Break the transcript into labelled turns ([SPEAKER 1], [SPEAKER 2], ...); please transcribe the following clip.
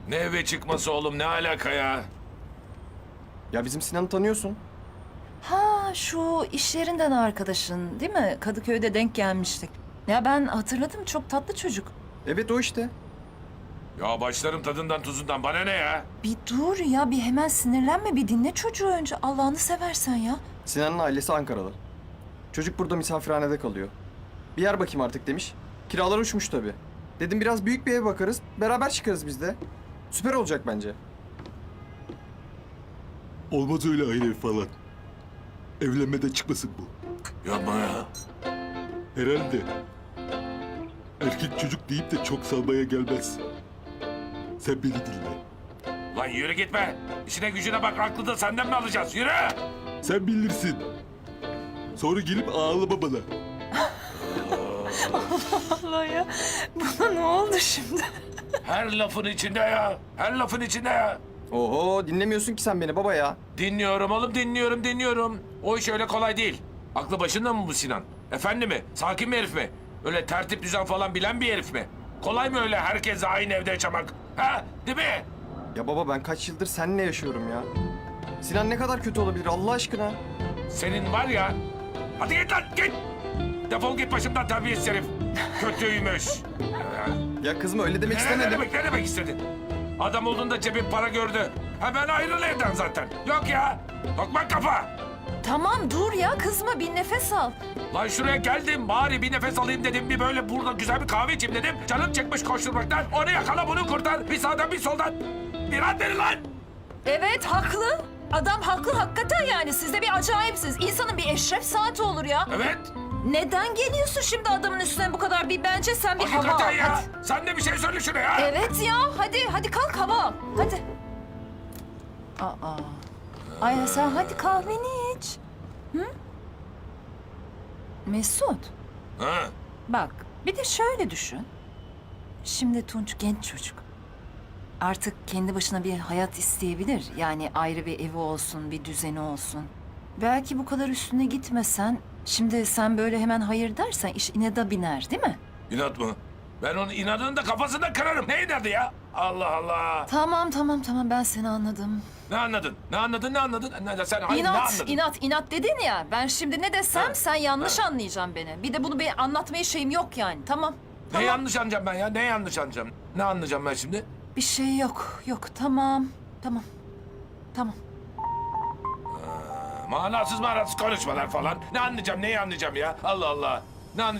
[SPEAKER 1] Ne eve çıkması oğlum, ne alaka ya?
[SPEAKER 2] Ya bizim Sinan'ı tanıyorsun.
[SPEAKER 3] Ha, şu iş yerinden arkadaşın değil mi? Kadıköy'de denk gelmiştik. Ya ben hatırladım, çok tatlı çocuk.
[SPEAKER 2] Evet o işte.
[SPEAKER 1] Ya başlarım tadından tuzundan, bana ne ya?
[SPEAKER 3] Bir dur ya, bir hemen sinirlenme, bir dinle çocuğu önce. Allah'ını seversen ya.
[SPEAKER 2] Sinan'ın ailesi Ankara'da. Çocuk burada misafirhanede kalıyor. Bir yer bakayım artık demiş. Kiralar uçmuş tabii. Dedim biraz büyük bir ev bakarız. Beraber çıkarız biz de. Süper olacak bence.
[SPEAKER 4] Olmaz öyle aile ev falan. Evlenmeden çıkmasın bu.
[SPEAKER 1] Yapma ya.
[SPEAKER 4] Herhalde. Erkek çocuk deyip de çok salmaya gelmez. Sen beni dinle.
[SPEAKER 1] Lan yürü gitme. İşine gücüne bak, aklı da senden mi alacağız? Yürü!
[SPEAKER 4] Sen bilirsin. Sonra gelip ağlama bana.
[SPEAKER 3] Allah ya, buna ne oldu şimdi?
[SPEAKER 1] Her lafın içinde ya. Her lafın içinde ya.
[SPEAKER 2] Oho dinlemiyorsun ki sen beni baba ya.
[SPEAKER 1] Dinliyorum oğlum, dinliyorum. O iş öyle kolay değil. Aklı başında mı bu Sinan? Efendi mi? Sakin bir herif mi? Öyle tertip düzen falan bilen bir herif mi? Kolay mı öyle herkesle aynı evde yaşamak? Ha? Değil mi?
[SPEAKER 2] Ya baba ben kaç yıldır seninle yaşıyorum ya. Sinan ne kadar kötü olabilir Allah aşkına?
[SPEAKER 1] Senin var ya... Hadi git lan, git! Defol git başımdan, terbiyesiz herif. Kötüymüş.
[SPEAKER 2] Ya kızma öyle demek
[SPEAKER 1] Ne
[SPEAKER 2] istemedim.
[SPEAKER 1] demek istedin? Adam olduğunda cebin para gördü. Hemen ayrıl evden zaten. Yok ya. Tokmak kafa.
[SPEAKER 3] Tamam dur ya, kızma, bir nefes al.
[SPEAKER 1] Lan şuraya geldim, bari bir nefes alayım dedim. Bir böyle burada güzel bir kahve içeyim dedim. Canım çıkmış koşturmaktan. Onu yakala, bunu kurtar. Bir sağdan bir soldan. Bir an verin lan.
[SPEAKER 3] Evet, haklı. Adam haklı hakikaten yani. Siz de bir acayipsiniz. İnsanın bir eşref saati olur ya.
[SPEAKER 1] Evet.
[SPEAKER 3] Neden geliyorsun şimdi adamın üstüne bu kadar? Bence sen bir hava al.
[SPEAKER 1] Hakikaten ya.
[SPEAKER 3] Hadi.
[SPEAKER 1] Sen de bir şey söyle şuna ya.
[SPEAKER 3] Evet ya, hadi kalk hava al. Hadi. Aa. Ay sen hadi kahveni iç. Hı? Mesut,
[SPEAKER 1] Ha.
[SPEAKER 3] bak bir de şöyle düşün. Şimdi Tunç genç çocuk. Artık kendi başına bir hayat isteyebilir. Yani ayrı bir evi olsun, bir düzeni olsun. Belki bu kadar üstüne gitmesen... Şimdi sen böyle hemen hayır dersen iş inada biner değil mi?
[SPEAKER 1] İnat mı? Ben onun inadını da kafasında kırarım. Ne inadı ya? Allah Allah.
[SPEAKER 3] Tamam ben seni anladım.
[SPEAKER 1] Ne anladın? Ne anladın? Sen hayır, ne anladın?
[SPEAKER 3] İnat dedin ya. Ben şimdi ne desem
[SPEAKER 1] Ha,
[SPEAKER 3] sen yanlış anlayacaksın beni. Bir de bunu bir anlatmaya şeyim yok yani. Tamam.
[SPEAKER 1] Ne yanlış anlayacağım ben ya? Ne yanlış anlayacağım? Ne anlayacağım ben şimdi?
[SPEAKER 3] Bir şey yok. Tamam.
[SPEAKER 1] Manasız konuşmalar falan. Ne anlayacağım, neyi anlayacağım ya? Allah Allah. Ne anlayacağım?